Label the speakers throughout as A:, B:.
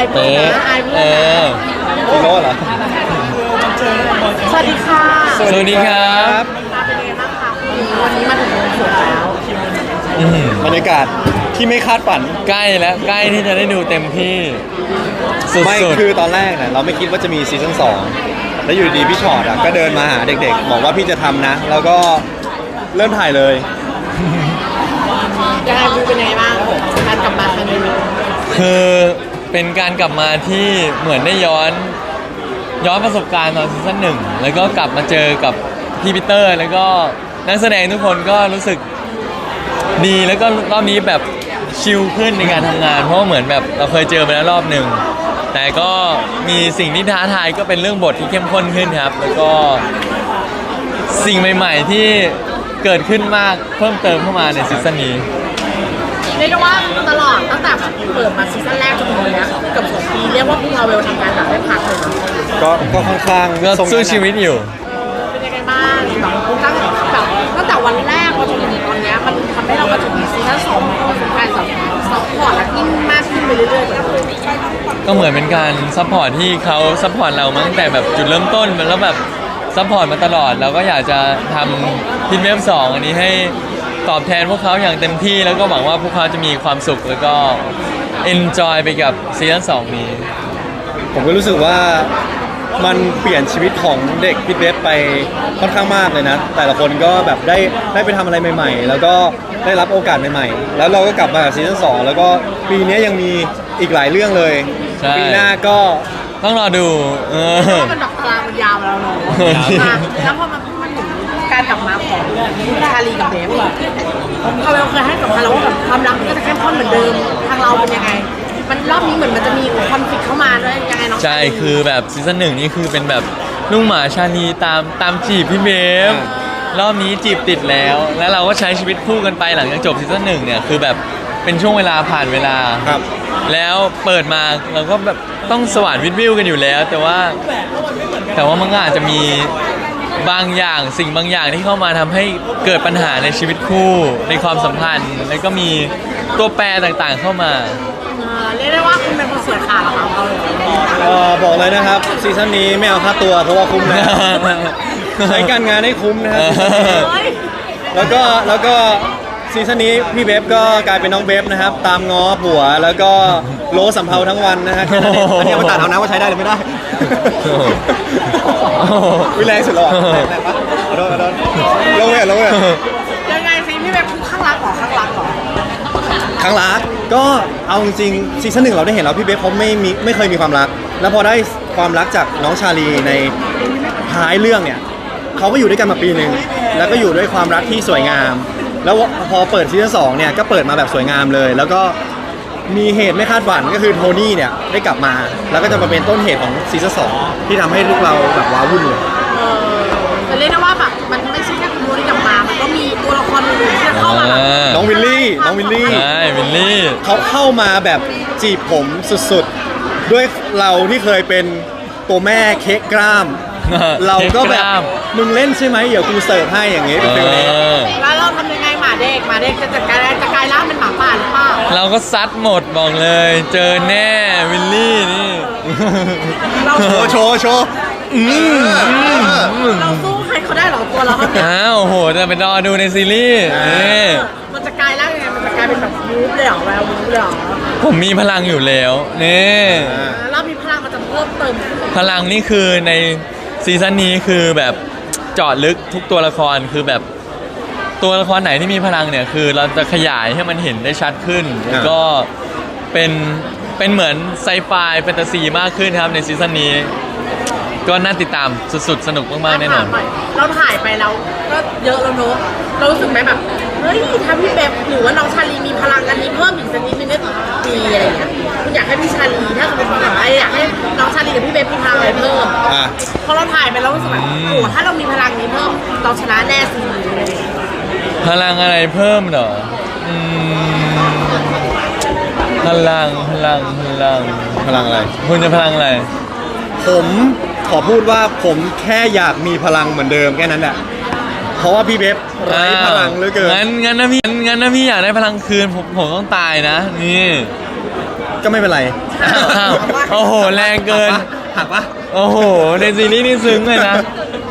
A: เป๊ะ
B: ฮีโร่เหรอ
C: สวัสดีค่ะ
A: สวัสดีครับ
C: เป็นยังไงบ้างคะวันนี้มาถึงวงสวงแล้ว
B: บรรยากาศที่ไม่คาดฝัน
A: ใกล้แล้วใกล้ที่จะได้ดูเต็มที่สุด
B: ไม่
A: ๆ
B: คือตอนแรกเนี่ยเราไม่คิดว่าจะมีซีซั่น2แล้วอยู่ดีพี่ชอตอ่ะก็เดินมาหาเด็กๆบอกว่าพี่จะทำนะ แล้วก็เริ่มถ่ายเลย
C: ยังไงเป็นยังไงบ้างการกลับมาครั้งนี้
A: คือเป็นการกลับมาที่เหมือนได้ย้อนประสบการณ์ตอนซีซั่นหนึ่งแล้วก็กลับมาเจอกับพี่ปีเตอร์ แล้วก็นักแสดงทุกคนก็รู้สึกดีแล้วก็รอบนี้แบบชิลขึ้นในการทำงาน เพราะว่าเหมือนแบบเราเคยเจอไปแล้วรอบหนึ่งแต่ก็มีสิ่งที่ท้าทายก็เป็นเรื่องบทที่เข้มข้นขึ้นครับแล้วก็สิ่งใหม่ๆที่เกิดขึ้นมากเพิ่มเติมเข้ามาในซีซั่นนี้
C: เรียกได้ว่าตลอดตั้งแต่เปิดมาซีซั่นแรกจนถึงวันนี้เกือบ2 ปีเรียกว่าพวกเราเวลทำงานแบบไม่พักเลยนะ
B: ก็ค่อนข้าง
A: ก็
B: ทรง
A: สู้ชีวิตอยู่
C: เป็นยังไงบ้างแบบตั้งแต่วันแรกมาจนถึงตอนนี้มันทำให้เรามาถึงซีซั่น2ของการซัพพอร์ตและยิ่งมากขึ้นไปเรื่อยๆ
A: ก็เหมือนเป็นการซัพพอร์ตที่เขาซัพพอร์ตเรามาตั้งแต่แบบจุดเริ่มต้นแล้วแบบซัพพอร์ตมาตลอดเราก็อยากจะทำพินเวฟ2อันนี้ให้ตอบแทนพวกเขาอย่างเต็มที่แล้วก็หวังว่าพวกเขาจะมีความสุขแล้วก็ enjoy ไปกับซีซั่น2นี้
B: ผมก็รู้สึกว่ามันเปลี่ยนชีวิตของเด็กพิทเวฟไปค่อนข้างมากเลยนะแต่ละคนก็แบบได้ไปทำอะไรใหม่ๆ แล้วก็ได้รับโอกาสใหม่ๆแล้วเราก็กลับมากับซีซั่น2แล้วก็ปีนี้ยังมีอีกหลายเรื่องเลย
A: ใช่
B: ปีหน้าก็
A: ต้องรอดู
C: มันดอกกลางมันยาวแล้วเนาะแล้วพอมันถึงการกลับมาของชาลีกับเบฟเขาเคยให้สัมภาษณ์แล้วว่าแบบความรักมันก็จะเข้มข้นเหมือนเดิมทางเราเป็นยังไงมันรอบนี้เหมือนมันจะมีคอนฟ lict เข้ามาด้วยยังไงน้อง
A: ใช่คือแบบซีซั่น1นี่คือเป็นแบบลุงหมาชาลีตามจีบพี่เบฟรอบนี้จีบติดแล้วเราก็ใช้ชีวิตคู่กันไปหลังจากจบซีซั่น1เนี่ยคือแบบเป็นช่วงเวลาผ่านเวลา
B: ครับ
A: แล้วเปิดมาเราก็แบบต้องสว่านวิทวิวกันอยู่แล้ว แต่ว่ามันก็อาจจะมีบางอย่างสิ่งบางอย่างที่เข้ามาทำให้เกิดปัญหาในชีวิตคู่ในความสัมพันธ์แล้วก็มีตัวแปรต่างๆเข้ามา
C: เรียกได้ว่าคุณเป็นคนเสียขาดเหรอคะเขาเลย
B: บอกเลยนะครับซีซั่นนี้ไม่เอาค่าตัวเพราะว่าคุ้มนะ ใช้การงานให้คุ้มนะครับ
C: เฮ้ย
B: แล้วก็ซีซั่นนี้พี่เบฟก็กลายเป็นน้องเบฟนะครับตามง้อผัวแล้วก็โลสำเภาทั้งวันนะฮะแค่นั้นเองอันนี้เอามาตัดเอานะว่าใช้ได้หรือไม่ได้วิแรงสุดหรอแรงปะขอโทษลงเลย
C: ยังไงสิพี่แบบคือข้างรักเหรอข้างรักเหรอ
B: ครั้งรักก็เอาจริงๆซีซั่น1เราได้เห็นแล้วพี่เบฟเขาไม่เคยมีความรัก แล้วพอได้ความรักจากน้องชาลีในท้ายเรื่องเนี่ยเขาก็อยู่ด้วยกันมาปีหนึ่งแล้วก็อยู่ด้วยความรักที่สวยงาม แล้วพอเปิดซีซั่น2เนี่ยก็เปิดมาแบบสวยงามเลย แล้วก็มีเหตุไม่คาดฝันก็คือโทนี่เนี่ยได้กลับมา แล้วก็จะมาเป็นต้นเหตุของซีซั่น2ที่ทำให้ลูกเราแบบว้าวุ่นเลย
C: แต่เรียกได้ว่าแบบมันไม่ใช่แค่คุณโมที่กลับมามันก็มีตัวละครอื่นๆที่จะเข้ามาแบบ
B: น้องวิลลี่
A: ใช่วิลลี่
B: เขาเข้ามาแบบจีบผมสุดๆ ด้วยเราที่เคยเป็นตัวแม่เค้กกล้าม เราก็แบบมึงเล่นใช่ไหมเดี๋ยวกูเสิร์ฟให้อย่างงี้เป็นฟิลนี้
C: แล้วเราทำยังไงหมาเด็กจะกลายร่างเป็นหมาป่าหรือเปล่า
A: เราก็ซัดหมดบอกเลย เจอแน่วิลลี่นี่
C: เรา
B: โชว์
C: เราสู้ใครเขาได้เหรอตัวเราเท่านี้
A: อ้าวโหจะไปรอดูในซีรีส์นี่
C: มันจะกลายร่างยังไงมันจะกลายเป็นแบบวูฟเลยเหรอแวววูฟเลยเหรอ
A: ผมมีพลังอยู่แล้วนี่
C: แล้วมีพลังมันจะเพิ่มเติม
A: พลังนี่คือในซีซั่นนี้คือแบบเจาะลึกทุกตัวละครคือแบบตัวละครไหนที่มีพลังเนี่ยคือเราจะขยายให้มันเห็นได้ชัดขึ้นแล้วก็เป็นเหมือนไซไฟแฟนตาซีมากขึ้นครับในซีซั่นนี้ก็น่าติดตามสุดๆสนุกมากๆแน่นอน
C: เราถ่ายไปแล้วก็เยอะแล้วเนอะเรารู้สึกไหมแบบเฮ้ยถ้าพี่เบบหรือว่าน้องชาลีมีพลังอันนี้เพิ่มอีกสักนิดนึงก็ดีอะไรอย่างเงี้ยคุณอยากให้พี่ชาลีถ้าสมมติแบบอยากให้น้องชาลีกับพี่เบบมีพลังอะไรเพิ่มพอเราถ่ายไปแล้วรู้สึกแบบโอ้ถ้าเรามีพลังนี้เพิ่มเราชนะแน่สิอะไรอย่างเงี้ย
A: พลังอะไรเพิ่มเหรอพลัง
B: พลังอะไร
A: คุณจะพลังอะไร
B: ผมขอพูดว่าผมแค่อยากมีพลังเหมือนเดิมแค่นั้นแหละเพราะว่าพี่เบฟไร้พลังเหลือเกิน
A: งั้นนะพี่อยากได้พลังคืนผมต้องตายนะนี่
B: ก็ไม่เป็นไร
A: อ้าวโอ้โหแรงเกิน
B: หักปะ
A: โอ้โหในซีรีส์นี่ซึ้งเลยนะ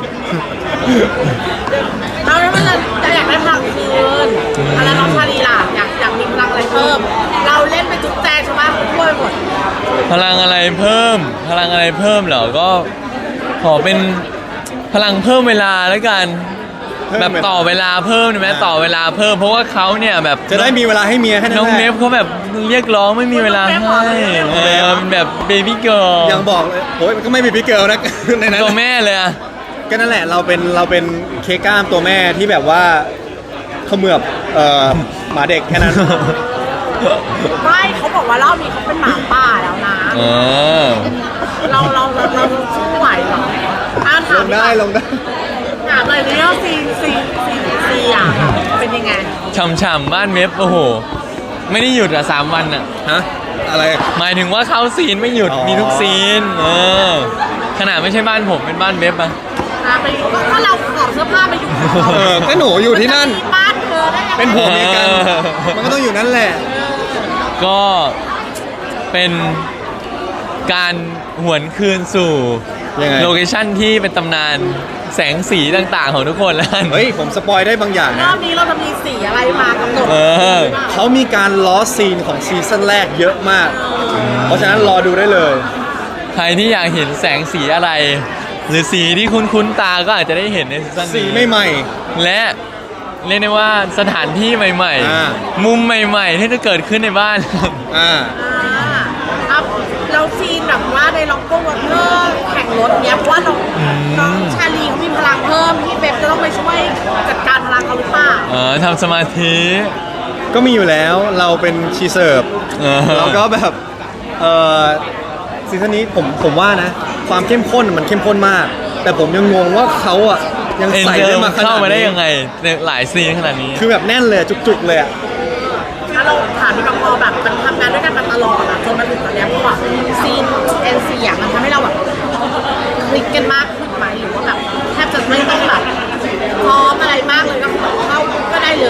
C: เราเนี่ยมันจะอยากได้พลังคืนอะไรน้องชาลีล่ะอยากมีพลังอะไรเพิ่ม เราเล่นไปจุ๊บแจงชาวบ้านเขาช่วยหมด
A: พลังอะไรเพิ่ม พลังอะไรเพิ่มเหรอก็ขอเป็นพลังเพิ่มเวลาแล้วกัน แบบต่อเวลาเพิ่มได้ไหมต่อเวลาเพิ่มเพราะว่าเขาเนี่ยแบบ
B: จะได้มีเวลาให้เมียแค่นั้น
A: น้อง
B: แหละ
A: เนฟเขาแบบเรียกร้องไม่มีเวลาให้เป็นแบบเบบี้เกิร์ล
B: ยังบอกเลยโอ้ยมันก็ไม่มีพี่เกิลนะ ในนั้น
A: ตัวแม่เลยอะ
B: ก็นั่นแหละเราเป็นเค้กกล้ามตัวแม่ที่แบบว่าเขมือบหมาเด็กแค่นั้น
C: ไม่เขาบอกว่ารอบนี้เขาเป็นหมาป่าแล้วนะ
A: เออ
C: เราสู้ไหวเหรอถา
B: ล
C: ม
B: งได้ลงได้
C: ถามเลยเนี่ยซีอ่ะเป็นยังไง
A: ฉ่ำๆบ้านเว็บโอ้โห ไม่ได้หยุดอะ3 วันอะ
B: ฮะอะไร
A: หมายถึงว่าเข้าซีนไม่หยุด
B: อ๋อ
A: มีทุกซีนขนาดไม่ใช่บ้านผมเป็นบ้านเว็บอะ
C: ไปก็เราขอบเสื้อผ้าไปอยู่
B: ก็หนูอยู่ที่นั่น
C: บ้านเธอได้ยังไง
B: เป็นผัวเมียกัน มันก็ต้องอยู่นั่นแหละ
A: ก็เป็นการหวนคืนสู่
B: ยังไง
A: โลเคชั่นที่เป็นตำนานแสงสีต่างๆของทุกคนแล้วกัน
B: เฮ้ยผมสปอยได้บางอย่าง
C: ร
B: นะ
C: อบนี้เราจะมีสีอะไรมากำหนด
A: เออ
B: เขามีการล้อซีนของซีซั่นแรกเยอะมาก เพราะฉะนั้นรอดูได้เลย
A: ใครที่อยากเห็นแสงสีอะไร หรือสีที่คุ้นๆตาก็อาจจะได้เห็นในซีซั่น
B: สี
A: นี้
B: ไม่ใหม่
A: และเรียกได้ว่าสถานที่ใหม่
B: อ่า
A: ๆ มุมใหม่ๆ ที่จะเกิดขึ้นในบ้าน
B: อ่า
C: เอาเราซีนแบบว่าในล็อกโก้วอเตอร์แข่งรถเนี้ยเพราะว่าน้องชาลีเขามีพลังเพิ่มพี่เบบจะต้องไปช่วยจัดการพลังเขาหรือเปล่า
A: ทำสมาธิ
B: ก็มีอยู่แล้วเราเป็นชีเสิร์ฟ
A: เออ
B: แล้วก็แบบซีซั่นนี้ผมว่านะ ความเข้มข้นมันเข้มข้นมาก แต่ผมยังงงว่าเขาอ่ะยัง
A: เอ็น
B: ใส่
A: เดิ
B: ได้
A: ม
B: มาขนา
A: เข้า
B: ด
A: มาได้
B: นี้
A: ยังไงในหลายซีนขนาดนี้
B: คือแบบแน่นเลยจุกๆเลยอ่ะ
C: ถ้าเราถามพี่ปอพอแบบมันทำงานด้วยกันมาตลอดอะจนมาถึงตอนเนี้ยเพราะว่าซีนเอ็นซีอะมันทำให้เราแบบคลิกกันมากขึ้นไหมหรือว่าแบบแทบจะไม่ต้องแบบพร้อมอะไรมากเลยก็คือแบบเข้าก็ได้เลย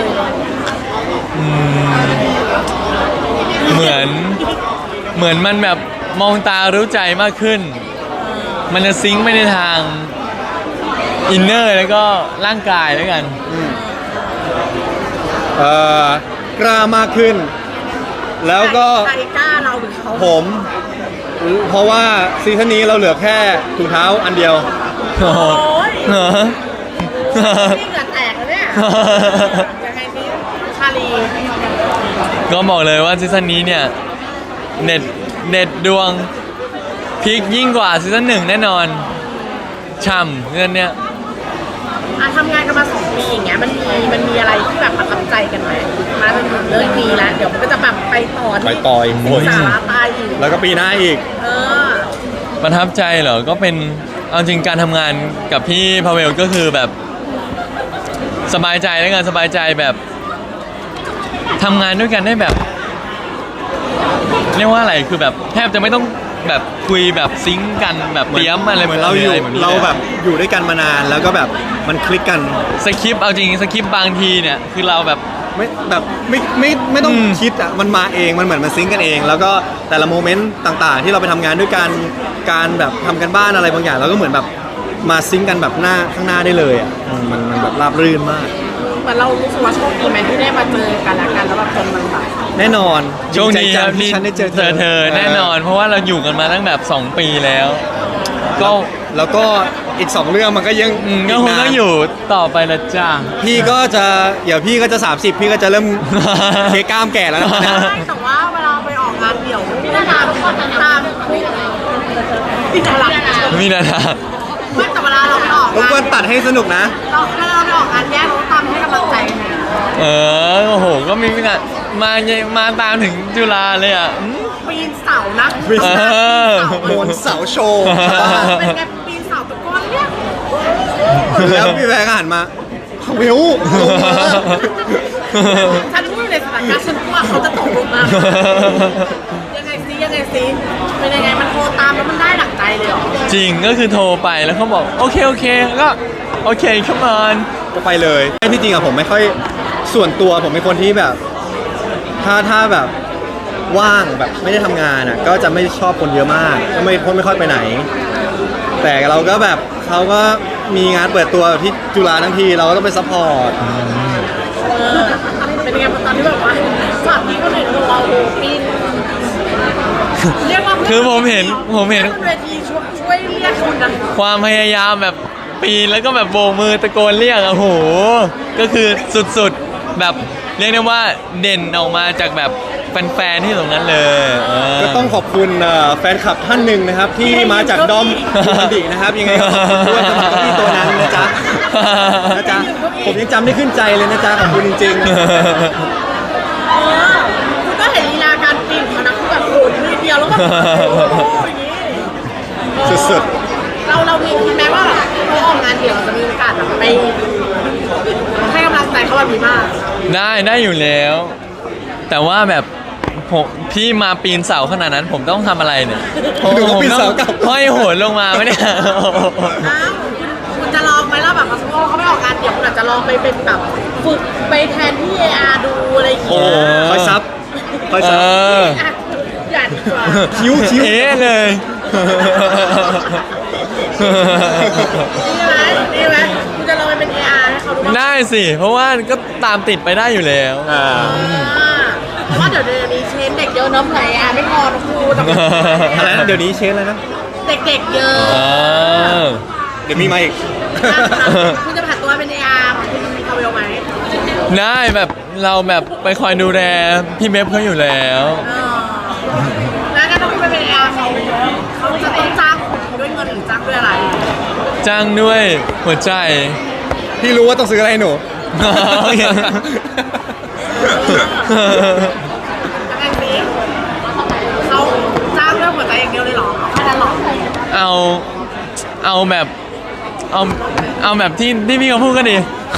A: เหมือนมันแบบมองตารู้ใจมากขึ้น มันจะซิงค์ไปในทางอินเนอร์แล้วก็ร่างกายแล้วกัน
B: กล้ามากขึ้น แล้วก็
C: ใครกล้าเราหรือเขา
B: ผม เพราะว่าซีซั่นนี้เราเหลือแค่ถุงเท้าอันเดียว
A: โอ้โห
C: โอ้ย
A: เหรอ
C: นี่เหงื่อแตกแล้วเนี่ยยังไงนี่ชาลี
A: ก็บอกเลยว่าซีซั่นนี้เนี่ยเน็ตดวงพีคยิ่งกว่าซีซั่น1แน่นอนช่ำเงินเนี่ย
C: ทำงานกันมา2 ปีอย่างเงี้ยมันมีอะไรที่แบบประทับใจกันไหมมาจนถึงเรื่องนี้แล้วเดี๋ยวมันก็จะแบบไปต่อ
B: ไปต่ออีก
C: สิงสาราตายอีก
B: แล้วก็ปีหน้าอีก
C: เออ
A: ประทับใจเหรอ ก็เป็นเอาจริงการทำงานกับพี่พาเวลก็คือแบบสบายใจแล้วกันสบายใจแบบทำงานด้วยกันได้แบบ เรียกว่าอะไรคือแบบแทบจะไม่ต้องแบบคุยแบบซิงค์กันแบบเตรียมอะไร
B: เหมือนเราอยู่
A: ะไแบบนี้
B: เราแบบอยู่ด้วยกันมานานแล้วก็แบบมันคลิกกัน
A: สคริปต์เอาจริงสคริปต์บางทีเนี่ยคือเราแบบ
B: ไม่แบบไม่ต้องคิดอ่ะมันมาเองมันเหมือนมันซิงก์กันเอง แล้วก็แต่ละโมเมนต์ต่างๆ ที่เราไปทำงานด้วยกันการแบบทำกันบ้านอะไรบางอย่างเราก็เหมือนแบบมาซิงก์กันแบบหน้าข้างหน้าได้เลยอ่ะมันแบบราบรื่นมาก
C: เหมือนเรารู้สึกว่าโชคดีไหมที่ได้มาเจอกันและกันแล้วแบบจนมันแบบ
B: แน่นอน
A: โชคดี
B: ใจ
A: ค
B: จั
A: รับ
B: งที่
A: ที่
B: ฉันได้เจอ
A: เธอแน่นอน เพราะว่าเราอยู่กันมาตั้งแบบ2 ปีแล้ว ก็
B: แล้วก็อีก 2 เรื่องมันก็ยัง
A: ก็คงต้องอยู่ต่อไปละจ้า
B: พี่ก็จะเดี๋ยวพี่ก็จะ30พี่ก็จะเริ่ม เทกล้ามแก่แล้วนะ
C: ใช่แต่ว่าเวลาไปออกงานเดี่ยวพี่นาดาตามพี่นาดา
A: มีนาทา
C: ไม่แต่เวลาเราไปออก
B: รบ
C: งาน
B: กวนตัดให้สนุกนะ
C: เราเวลาเราไปออกงานแยกเราตามให้กำลังใจกันนะ
A: โอ้โห ก็มีมาตามถึงจุฬาเลยอ่ะ
C: ปีนเสานะ
B: ปีน
A: เออ
B: โหนเสาโชว์บ้าน
C: เป็นไงปีนเสาตะโกนเนี่ย
B: แล้วพี่แบงค์ก็หันมาเวลลงมา
C: ฉันพูดในสถานการณ์ฉันว่าเขาจะตกลงมายังไงซิเป็นยังไงมันโทรตามแล้วมันได้หลังใจเลยเหรอ
A: จริงก็คือโทรไปแล้วเขาบอก โอเคก็โอเคเข้ามาน
B: ก็ไปเลยที่จริงอะผมไม่ค่อยส่วนตัวผมเป็นคนที่แบบ ถ้าแบบว่างแบบไม่ได้ทำงานอ่ะก็จะไม่ชอบคนเยอะมากก็ไม่ค่อยไปไหน แต่เราก็แบบเขาก็มีงานเปิดตัวที่จุฬาทั้งทีเราก็ต้องไปซัพพอร์ต
C: เป็นยังไงตอนที่แบบว่าช็อตนี้ก็เลยเราโหปีนเรียกว่า
A: คือผมเห็น
C: บนเวทีช่วยเรียกคนนะ
A: ความพยายามแบบปีนแล้วก็แบบโบกมือตะโกนเรียกอะโหก็คือสุดๆแบบเรียกได้ว่าเด่นออกมาจากแบบแฟนๆที่ตรงนั้นเลย
B: ก็ต้องขอบคุณแฟนคลับท่านหนึ่งนะครับที่มาจากดอมดูมันดินะครับยังไงก็ขอบคุณด้วยสำหรับที่ตัวนั้นนะจ๊ะผมยังจำได้ขึ้นใจเลยนะจ๊ะขอบคุณจริงๆ
C: คุณก็เห็นลีลาการปีนของเขานะคือแบบโหดนิดเดียวแล้วก็โอ้โหอย่างนี้
B: สุด
C: เรามีแม้ว่าเขาออกงานเดี่ยวจะมีโอกาสแบบไปให้กำลังใจเขาแบบนี้มาก
A: ได้อยู่แล้ว แต่ว่าแบบผมพี่มาปีนเสาขนาดนั้นผมต้องทำอะไรเนี่ย
B: ดูเขาปีนเสากลับ
A: ห้อยโหนลงมาไม่ได้
C: อ้าวคุณจะลองไหมล่ะแบบสมมติเขาไม่ออกงานเดี่ยวคุณอาจจะลองไปเป็นแบบฝึกไปแทนที่ AR ดูอะไรอย่าง
A: โอ้
C: เงี้ย
B: คอยซับคอย
A: เอ
B: ซับ
A: อ
C: อ่ะอย่าดีกว่า
B: คิ้ว
A: เอ๊ะเลย
C: ดีไหมคุณจะลองไปเป็น AR ให้เขาดูบ้าง
A: ได้สิ เพราะว่าก็ตามติดไปได้อยู่แล้ว
C: เพราะว่าเดี๋ยวนี้เชนเด็กเยอะเน้ำไหลไม่พอนะครูแต่
B: อะไรนะเดี๋ยวนี้เชนอะไรนะ
C: เด็กๆเยอะ
A: อ่า
B: เดี๋ยวมีมาอีก
C: คุณจะผ่านตัวเป็น AR คุณมีคาเวลไหม
A: ได้แบบเราแบบไปคอยดูแลพี่เบฟเขาอยู่แล้ว
C: แล้วก็ต้องไปเป็น AR เขาจะต้องจ้างคุณด้วยเงินหรือจ้างด้วยอะไร
A: จ้างด้วยหัวใจ
B: พี่รู้ว่าต้องซื้ออะไรให้หนู
C: แล้วกันนี้เขาจ้างด้วยหัวใจอย่างเดียวเลยเหรอแค่นั้นเหรอ
A: เอาแบบเอาแบบที่พี่เขาพูดก็ดี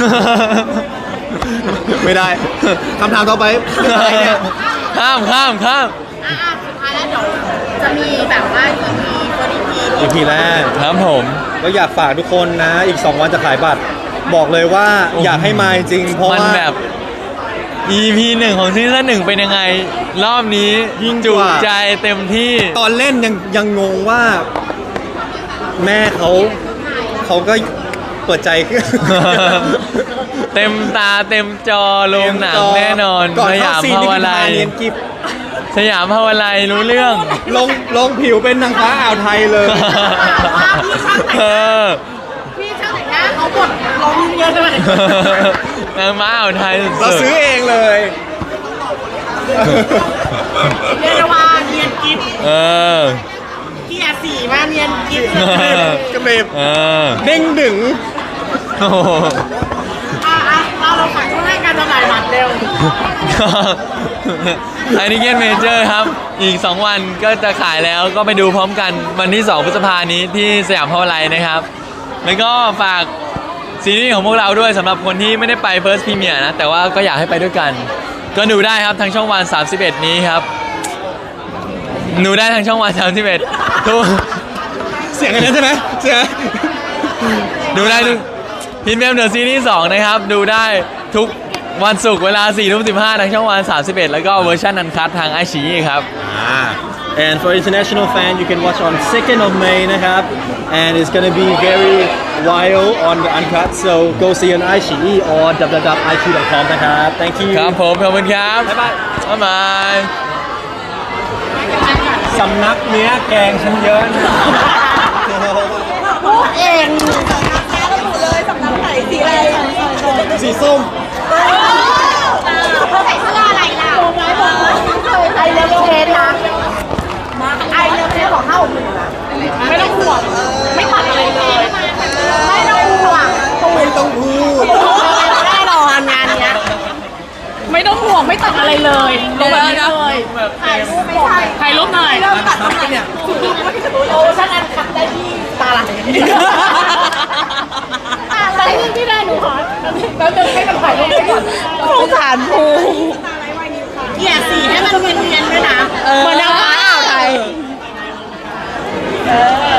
B: ไม่ได้คำถามต่อไปอะไรเนี่ย
A: ข้าม
C: สุดท้ายแล้วเดี๋ยวจะมีแบบว่า EP คน
B: EP แรก
A: ครับผม
B: ก็อยากฝากทุกคนนะอีก 2 วันจะขายบัตร บอกเลยว่าอยากให้มาจริงเพราะ
A: มัน
B: ว่า
A: แบบ EP 1ของซีซั่น1เป็นยังไง รอบนี้
B: ยิ่ง
A: จุ
B: กว่า
A: ใจเต็มที่
B: ตอนเล่นยังงงว่า แม่เขาก็เปิดใจขึ้น
A: เต็มตาเต็มจอโรงหนังแน่นอน
B: ก่อน
A: ส
B: เข้าย
A: าม
B: ซีน
A: ภา
B: นี่
A: ว
B: คือ
A: ไล
B: ทาย เนียนกิฟ
A: สยามภาวไลรู้เรื่อง
B: ลงผิวเป็นนางฟ้าอ่าวไทยเลย
A: เออ
C: พี่ช่างแต่งหน้าเขาบดลงเยอะเลย
A: นางม้าอ่าวไทย
B: เรา
A: สุด
B: ซื้อเองเลย
C: เรียกได้ว่าเนียนกิ๊บ
A: เออ
C: เกียร์สีมาเนียนกิ๊บ
B: กระเบบ
A: เออ
B: เด้งดึง
A: โอ้โห
C: เราฝากช่วงให้การจำหน่ายบัตรเร็ว
A: ไอนิเกนเมเจอร์ครับ อีก 2 วันก็จะขายแล้วก็ไปดูพร้อมกันวันที่ 2 พฤษภานี้ที่สยามพาวไลน์นะครับ แล้วก็ฝากซีรีส์ของพวกเราด้วยสำหรับคนที่ไม่ได้ไป First Premiere นะ แต่ว่าก็อยากให้ไปด้วยกัน ก็ดูได้ครับทางช่องวัน 31 นี้ครับ ดูได้ทางช่องวัน 31ทุก
B: เสียงอันนั้นใช่ไหมเสียง
A: ดูได้ทุกพินเมมเดอะซีรีส์2นะครับ ดูได้ทุกวันศุกร์เวลา 4:15 ทางช่องวัน 31 แล้วก็เวอร์ชันอันคัททางไอชีครับ
B: And for international fan, you can watch on 2nd of May นะครับ and it's gonna be very wild on the uncut so go see on iQIYI or www.iq.com นะครับ thank you
A: ครับผมขอบคุณครับ
B: บ๊ายบาย
A: บ๊ายบาย
B: สำนักเนี้ยแกงฉันเยอะนะ
C: พูดเองเลยสำนักไหนสีอะไร
B: สีส้ม
C: เขาใส่เสื้ออะไรล่ะไอเลิฟเทนนะไอเลิฟเทนของ561นะไม่ต้องห่วงไม่ตัดอะไรเลยไม่ต้องห่วง
B: ไม่ต้องพูด
C: แน่นอนงานเนี้ยไม่ต้องห่วงไม่ตัดอะไรเลยลงมาเลยถ่ายรูปไม่ใช่ถ่ายรูปหน่อยเริ่มตัดทำไมเนี่ยโอ้ฉันอันคัดได้ที่ตาไหลแต่ที่ได้หนูขอแล้วจะให้มันถ่ายรูปไปก่อนสงสารภูเกียร์สีให้มันเนียนๆด้วยนะเหมือนนางฟ้าอ่าวไทย